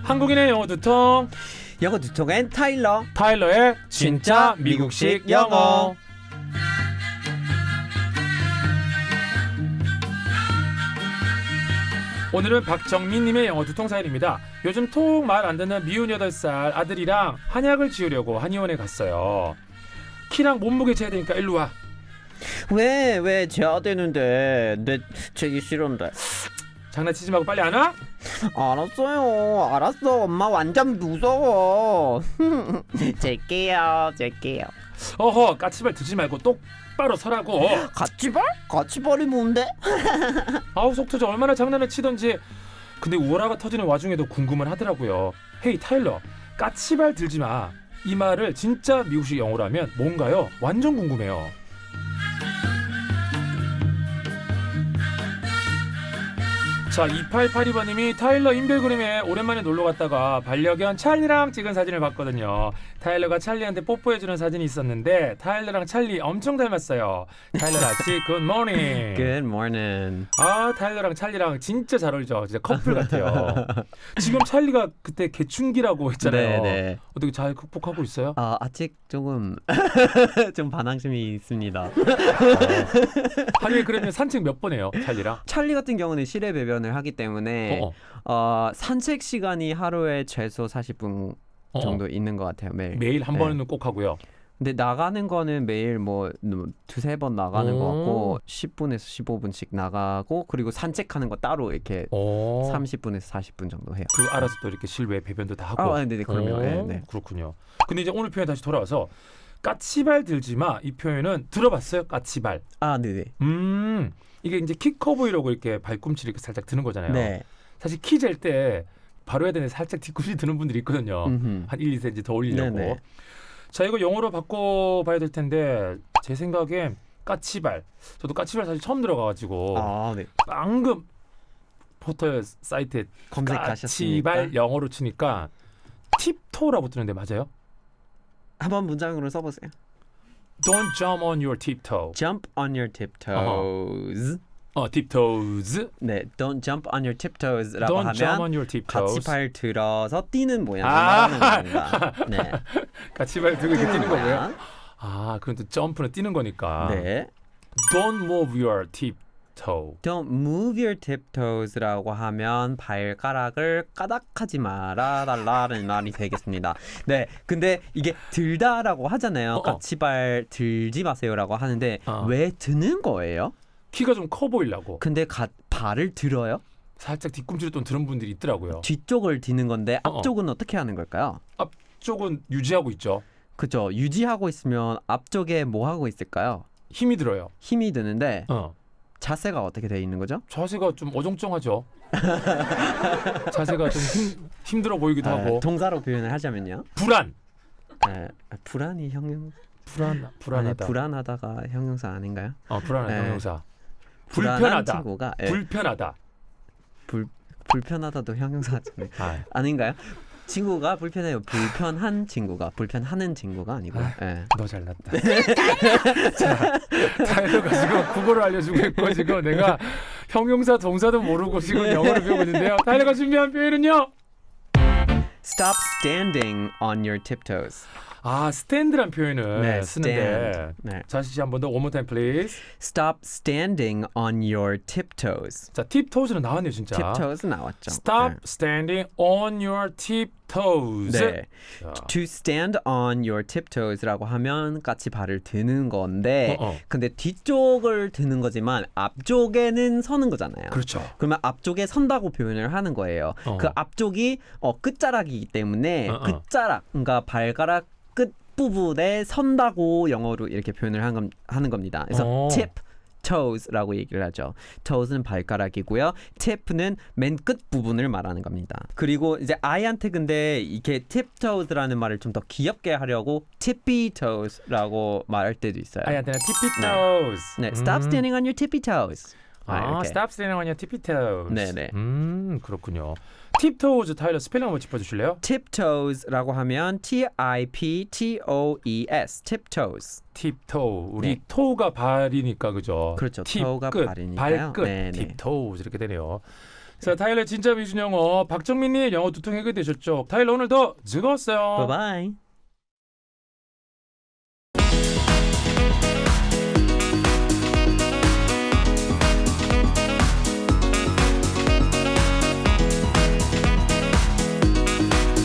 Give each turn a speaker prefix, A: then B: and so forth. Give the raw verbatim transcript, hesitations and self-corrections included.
A: 한국인의 영어 두통
B: 영어 두통엔 타일러.
A: 타일러의 진짜 미국식 영어. 오늘은 박정민님의 영어 두통 사연입니다. 요즘 톡 말 안 듣는 미운 여덟 살 아들이랑 한약을 지으려고 한의원에 갔어요. 키랑 몸무게 재야 되니까 일로 와.
B: 왜, 왜 재야 되는데? 내 재기 싫은데.
A: 장난치지 말고 빨리 안 와?
B: 알았어요. 알았어. 엄마 완전 무서워. 잴게요. 잴게요.
A: 어허, 까치발 듣지 말고 똑바로 서라고.
B: 가치발? 가치발이 뭔데?
A: 아우 속 터져. 얼마나 장난을 치던지. 근데 우월화가 터지는 와중에도 궁금은 하더라고요. 헤이 타일러, 까치발 들지 마. 이 말을 진짜 미국식 영어로 하면 뭔가요? 완전 궁금해요. 자, 이팔팔이 번님이 타일러 인별그램에 오랜만에 놀러 갔다가 반려견 찰리랑 찍은 사진을 봤거든요. 타일러가 찰리한테 뽀뽀해주는 사진이 있었는데 타일러랑 찰리 엄청 닮았어요. 타일러 아치 굿모닝.
B: Good morning.
A: 아, 타일러랑 찰리랑 진짜 잘 어울리죠. 진짜 커플 같아요. 지금 찰리가 그때 개춘기라고 했잖아요.
B: 네네.
A: 어떻게 잘 극복하고 있어요?
B: 아, 아직 조금 좀 반항심이 있습니다.
A: 어. 하루에 그러면 산책 몇 번 해요, 찰리랑?
B: 찰리 같은 경우는 실외 배변을 하기 때문에
A: 어어.
B: 어, 산책 시간이 하루에 최소 사십 분
A: 어어.
B: 정도 있는 것 같아요. 매일.
A: 매일 한
B: 네.
A: 번은 꼭 하고요.
B: 근데 나가는 거는 매일 뭐 두세 번 나가는
A: 오.
B: 것 같고 십 분에서 십오 분씩 나가고 그리고 산책하는 거 따로 이렇게
A: 오.
B: 삼십 분에서 사십 분 정도 해요.
A: 그리고 알아서 또 이렇게 실외 배변도 다 하고.
B: 아, 네네, 그럼요.
A: 오,
B: 네, 네.
A: 그렇군요. 근데 이제 오늘 표현 다시 돌아와서 까치발 들지 마. 이 표현은 들어봤어요? 까치발.
B: 아, 네네.
A: 음, 이게 이제 키 커 보이려고 이렇게 발꿈치 이렇게 살짝 드는 거잖아요.
B: 네.
A: 사실 키 잴 때 바로 해야 되는데 살짝 뒤꿈치 드는 분들이 있거든요.
B: 음흠.
A: 한 일, 이 센티미터 더 올리려고.
B: 네네.
A: 자, 이거 영어로 바꿔봐야 될 텐데 제 생각엔 까치발. 저도 까치발 사실 처음 들어가가지고
B: 아, 네.
A: 방금 포털 사이트에
B: 검색하셨습니까?
A: 까치발 영어로 치니까 팁토라고 뜨는데 맞아요?
B: 한번 문장으로 써보세요.
A: Don't jump on your tiptoe.
B: Jump on your tiptoes.
A: 어, tiptoes.
B: 네, don't jump on your tiptoes라고
A: Don't jump on
B: 하면
A: your tiptoes.
B: 같이 발 들어서 뛰는 모양을
A: 아.
B: 말하는 겁니다. 네,
A: 까치발 들고 이렇게 뛰는 거고요.
B: 모양.
A: 아, 그럼 또 점프는 뛰는 거니까.
B: 네.
A: Don't move your tiptoe.
B: Don't move your tiptoes라고 하면 발가락을 까닥하지 말아달라는 말이 되겠습니다. 네, 근데 이게 들다라고 하잖아요.
A: 어어.
B: 까치발 들지 마세요라고 하는데
A: 어.
B: 왜 드는 거예요?
A: 키가 좀 커 보이려고.
B: 근데 가, 발을 들어요?
A: 살짝 뒤꿈치를 또 드는 분들이 있더라고요.
B: 뒤쪽을 드는 건데
A: 어어.
B: 앞쪽은 어떻게 하는 걸까요?
A: 앞쪽은 유지하고 있죠.
B: 그죠? 유지하고 있으면 앞쪽에 뭐 하고 있을까요?
A: 힘이 들어요.
B: 힘이 드는데
A: 어.
B: 자세가 어떻게 돼 있는 거죠?
A: 자세가 좀 어정쩡하죠. 자세가 좀 힘, 힘들어 보이기도
B: 아,
A: 하고.
B: 동사로 표현을 하자면요.
A: 불안.
B: 아, 불안이 형용
A: 불안 불안하다.
B: 아니, 불안하다가 형용사 아닌가요?
A: 어, 불안한
B: 네.
A: 형용사.
B: 불안한
A: 불편하다.
B: 친구가 예,
A: 불편하다.
B: 불 불편하다도 형용사잖아요.
A: 아,
B: 아닌가요? 친구가 불편해요. 불편한 친구가 불편하는 친구가 아니고.
A: 아.
B: 예.
A: 너 잘났다. 자, 타일러가 지금 국어를 알려주고 있고 지금 내가 형용사 동사도 모르고 지금 영어를 배우고 있는데요. 타일러가 준비한 표현은요.
B: Stop standing on your tiptoes.
A: 아, 스탠드란 표현을
B: 네,
A: 쓰는데.
B: stand. 네.
A: 다시 한 번 더 one more time please.
B: Stop standing on your tiptoes.
A: 자, tiptoes는 나왔네요 진짜.
B: tiptoes 나왔죠.
A: Stop
B: 네.
A: standing on your tiptoes.
B: 네.
A: 자,
B: To stand on your tiptoes라고 하면 같이 발을 드는 건데
A: 어, 어.
B: 근데 뒤쪽을 드는 거지만 앞쪽에는 서는 거잖아요.
A: 그렇죠.
B: 그러면 앞쪽에 선다고 표현을 하는 거예요.
A: 어.
B: 그 앞쪽이 어, 끝자락이기 때문에
A: 어, 어.
B: 끝자락, 그러니까 발가락 끝 부분에 선다고 영어로 이렇게 표현을 한 겁- 하는 겁니다. 그래서
A: 어.
B: tip toes라고 얘기를 하죠. toes는 발가락이고요. tip는 맨 끝 부분을 말하는 겁니다. 그리고 이제 아이한테 근데 이렇게 tiptoes라는 말을 좀 더 귀엽게 하려고 tippy toes라고 말할 때도 있어요.
A: 아이한테는 tippy toes.
B: 네, stop
A: 음.
B: standing on your tippy toes. 아,
A: 아,
B: 이렇게.
A: stop standing on your tippy toes.
B: 네네.
A: 음, 그렇군요. tiptoes 타일러 스펠링 한번 짚어주실래요?
B: tiptoes라고 하면 T I P T O E S tiptoes.
A: tiptoe. 우리
B: 네.
A: toe가 발이니까 그죠?
B: 그렇죠.
A: 팁
B: toe가
A: 끝,
B: 발이니까요.
A: 발끝.
B: 네네.
A: tiptoes 이렇게 되네요. 자, 타일러 진짜 미준 영어 박정민님 영어 두통 해결되셨죠? 타일러 오늘도 즐거웠어요.
B: 바이바이.